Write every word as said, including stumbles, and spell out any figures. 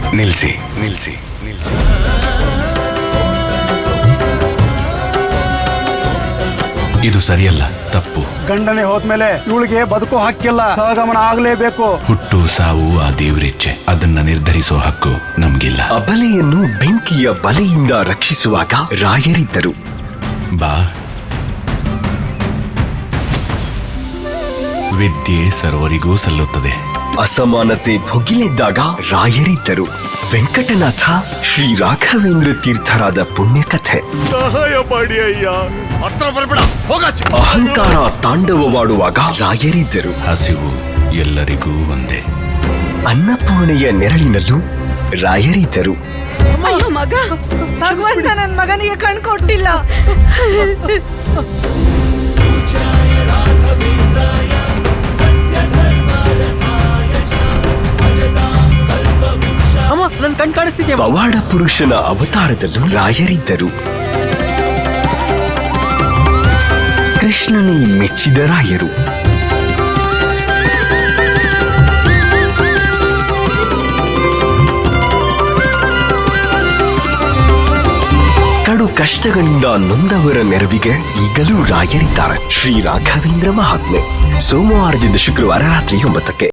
ನಿಲ್ಸಿ ನಿಲ್ಸಿ ನಿಲ್ಸಿ. ಇದು ಸರಿಯಲ್ಲ, ತಪ್ಪು. ಗಂಡನೆ ಹೋದ್ಮೇಲೆ ಇವಳಿಗೆ ಬದುಕೋ ಹಕ್ಕಿಲ್ಲ, ಸಹಗಮನ ಆಗ್ಲೇಬೇಕು. ಹುಟ್ಟು ಸಾವು ಆ ದೇವರಿಚ್ಛೆ, ಅದನ್ನ ನಿರ್ಧರಿಸೋ ಹಕ್ಕು ನಮ್ಗಿಲ್ಲ. ಅಬಲೆಯನ್ನು ಬೆಂಕಿಯ ಬಲೆಯಿಂದ ರಕ್ಷಿಸುವಾಗ ರಾಯರಿದ್ದರು. ಬಾ. ವಿದ್ಯೆ ಸರ್ವರಿಗೂ ಸಲ್ಲುತ್ತದೆ. ಅಸಮಾನತೆ ಭುಗಿಲೆದ್ದಾಗ ರಾಯರಿದ್ದರು. ವೆಂಕಟನಾಥ ಶ್ರೀ ರಾಘವೇಂದ್ರ ತೀರ್ಥರಾದ ಪುಣ್ಯಕಥೆ. ಸಹಾಯ ಮಾಡಿ ಅಯ್ಯ, ಹತ್ರ ಬರ್ಬೇಡ, ಹೋಗಾಚೆ. ಅಹಂಕಾರ ತಾಂಡವವಾಡುವಾಗ ರಾಯರಿದ್ದರು. ಹಸಿವು ಎಲ್ಲರಿಗೂ ಒಂದೇ. ಅನ್ನಪೂರ್ಣೆಯ ನೆರಳಿನಲ್ಲೂ ರಾಯರಿದ್ದರು. ಅಯ್ಯೋ ಮಗ, ಭಗವಂತ ನನ್ ಮಗನಿಗೆ ಕಣ್ ಕೊಟ್ಟಿಲ್ಲ. ಅಮ್ಮ, ನನ್ ಕಣ್ ಕಾಣಿಸ್ತಿದ್ಯಾ? ಪವಾಡ ಪುರುಷನ ಅವತಾರದಲ್ಲೂ ರಾಯರಿದ್ದರು. ಕೃಷ್ಣನೇ ಮೆಚ್ಚಿದ ರಾಯರು. ಕಡು ಕಷ್ಟಗಳಿಂದ ನೊಂದವರ ನೆರವಿಗೆ ಈಗಲೂ ರಾಯರಿದ್ದಾರೆ. ಶ್ರೀ ರಾಘವೇಂದ್ರ ಮಹಾತ್ಮೆ, ಸೋಮವಾರದಿಂದ ಶುಕ್ರವಾರ ರಾತ್ರಿ ಒಂಬತ್ತಕ್ಕೆ.